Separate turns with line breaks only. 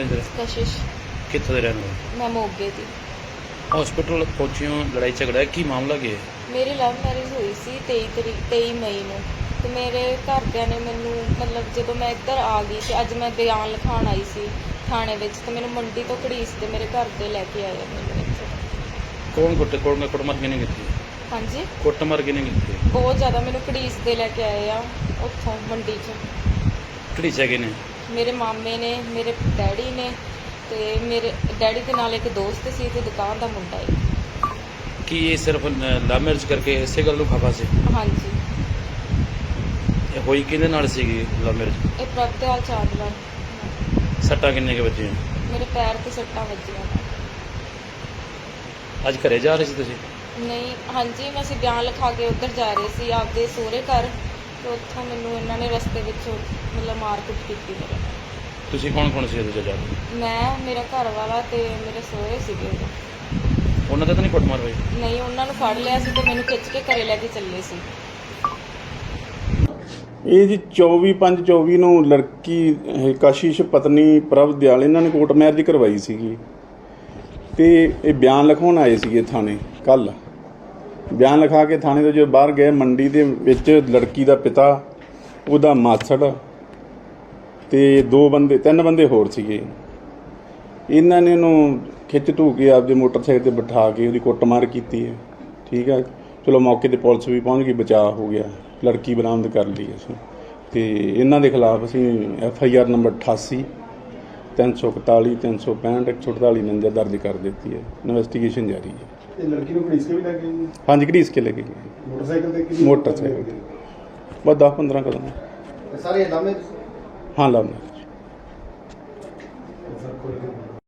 ਨਾਂ ਜੀ?
कशिश।
कित्थों दे रहने वाले?
मैं मोगे थी।
हॉस्पिटल पहुंची हो, लड़ाई झगड़ा है, की मामला की है?
मेरी लव मैरिज हुई सी 23 मई ਨੂੰ ਤੇ ਮੇਰੇ ਘਰਦਿਆਂ ਨੇ ਮੈਨੂੰ ਮਤਲਬ ਜਦੋਂ ਮੈਂ ਇੱਧਰ ਆ ਗਈ ਤੇ ਅੱਜ ਮੈਂ ਬਿਆਨ ਲਿਖਾਉਣ ਆਈ ਸੀ ਥਾਣੇ ਵਿੱਚ ਤੇ ਮੈਨੂੰ ਮੰਡੀ ਤੋਂ ਘੜੀਸ ਤੇ ਮੇਰੇ ਘਰ ਦੇ ਲੈ ਕੇ ਆਏ ਮੈਨੂੰ ਇੱਥੇ।
कौन कुटमार किने की?
ਹਾਂਜੀ
कुटमार किने की?
ਬਹੁਤ ਜ਼ਿਆਦਾ ਮੈਨੂੰ ਘੜੀਸ ਦੇ ਲੈ ਕੇ ਆਏ ਆ ਉੱਥੋਂ ਮੰਡੀ 'ਚ।
घड़ीचा किने?
ਮੇਰੇ ਮਾਮੇ ਨੇ, ਮੇਰੇ ਡੈਡੀ ਨੇ ਤੇ ਮੇਰੇ ਡੈਡੀ ਦੇ ਨਾਲ ਇੱਕ ਦੋਸਤ ਸੀ ਤੇ ਦੁਕਾਨ ਦਾ ਮੁੰਡਾ ਹੈ।
कि ये सिर्फ लव मैरिज करके इसे गल खफा से
ਹਾਂਜੀ
होई किहदे नाल सीगी लव मैरिज?
ਇਹ ਪ੍ਰਭਤਿਆਲ ਚਾਦਲਾ।
सट्टा किन्ने के बच्चे हैं?
ਮੇਰੇ ਪੈਰ ਤੇ ਸੱਟਾਂ ਵੱਜੀਆਂ।
आज घरे जा रहे सी तुसीं?
ਨਹੀਂ ਹਾਂਜੀ ਮੈਂ ਅਸੀਂ ਬਿਆਨ ਲਿਖਾ ਕੇ ਉੱਧਰ ਜਾ ਰਹੇ ਸੀ ਆਪਦੇ ਸਹੁਰੇ ਘਰ ਤੇ ਉੱਥੋਂ ਮੈਨੂੰ ਇਹਨਾਂ ਨੇ ਰਸਤੇ ਵਿੱਚ ਮਤਲਬ ਮਾਰਕੁੱਟ ਕੀਤੀ ਮੇਰੇ ਨਾਲ।
तुसीं कौन सी उहदे जा रहे?
ਮੈਂ ਮੇਰਾ ਘਰ ਵਾਲਾ ਤੇ ਮੇਰੇ ਸਹੁਰੇ ਸੀਗੇ ਉਦੋਂ।
ਉਹਨਾਂ ਦਾ ਤਾਂ ਨਹੀਂ ਕੁੱਟਮਾਰ ਹੋਈ?
ਨਹੀਂ ਉਹਨਾਂ ਨੂੰ ਫੜ ਲਿਆ ਸੀ ਤੇ ਮੈਨੂੰ ਖਿੱਚ ਕੇ ਘਰੇ ਲੈ ਕੇ ਚੱਲੇ ਸੀ।
ਇਹ ਜੀ 24/5/24 ਨੂੰ ਲੜਕੀ ਕਸ਼ਿਸ਼ ਪਤਨੀ ਪ੍ਰਭ ਦਿਆਲ ਇਹਨਾਂ ਨੇ ਕੋਰਟ ਮੈਰਿਜ ਕਰਵਾਈ ਸੀਗੀ ਤੇ ਇਹ ਬਿਆਨ ਲਿਖਾਉਣ ਆਏ ਸੀਗੇ ਥਾਣੇ ਕੱਲ। ਬਿਆਨ ਲਿਖਾ ਕੇ ਥਾਣੇ ਤੋਂ ਜਦੋਂ ਬਾਹਰ ਗਏ ਮੰਡੀ ਦੇ ਵਿੱਚ ਲੜਕੀ ਦਾ ਪਿਤਾ, ਉਹਦਾ ਮਾਸੜ ਤੇ 3 ਬੰਦੇ ਹੋਰ ਸੀਗੇ। ਇਹਨਾਂ ਨੇ ਉਹਨੂੰ ਖਿੱਚ ਧੂ ਕੇ ਆਪਦੇ ਮੋਟਰਸਾਈਕਲ 'ਤੇ ਬਿਠਾ ਕੇ ਉਹਦੀ ਕੁੱਟਮਾਰ ਕੀਤੀ ਹੈ। ਠੀਕ ਹੈ, ਚਲੋ ਮੌਕੇ 'ਤੇ ਪੁਲਿਸ ਵੀ ਪਹੁੰਚ ਗਈ, ਬਚਾਅ ਹੋ ਗਿਆ, ਲੜਕੀ ਬਰਾਮਦ ਕਰ ਲਈ ਅਸੀਂ। ਤੇ ਇਹਨਾਂ ਦੇ ਖਿਲਾਫ ਅਸੀਂ FIR ਨੰਬਰ 88 341 365 148 49 ਦਰਜ ਕਰ ਦਿੱਤੀ ਹੈ। ਇਨਵੈਸਟੀਗੇਸ਼ਨ ਜਾਰੀ ਹੈ।
ਇਹ ਲੜਕੀ ਨੂੰ ਘੜੀਸ ਕੇ ਵੀ ਲੈ ਕੇ ਗਏ?
ਹਾਂਜੀ, ਘੜੀਸ ਕੇ ਲੈ ਕੇ ਗਏ
ਮੋਟਰਸਾਈਕਲ ਤੇ? ਕਿੰਨੀ
ਮੋਟਰਸਾਈਕਲ ਤੇ ਬਸ 10-15 ਕਦਮ।
ਸਾਰੇ ਲਾਮੇ?
ਹਾਂ, ਲਾਮਾ।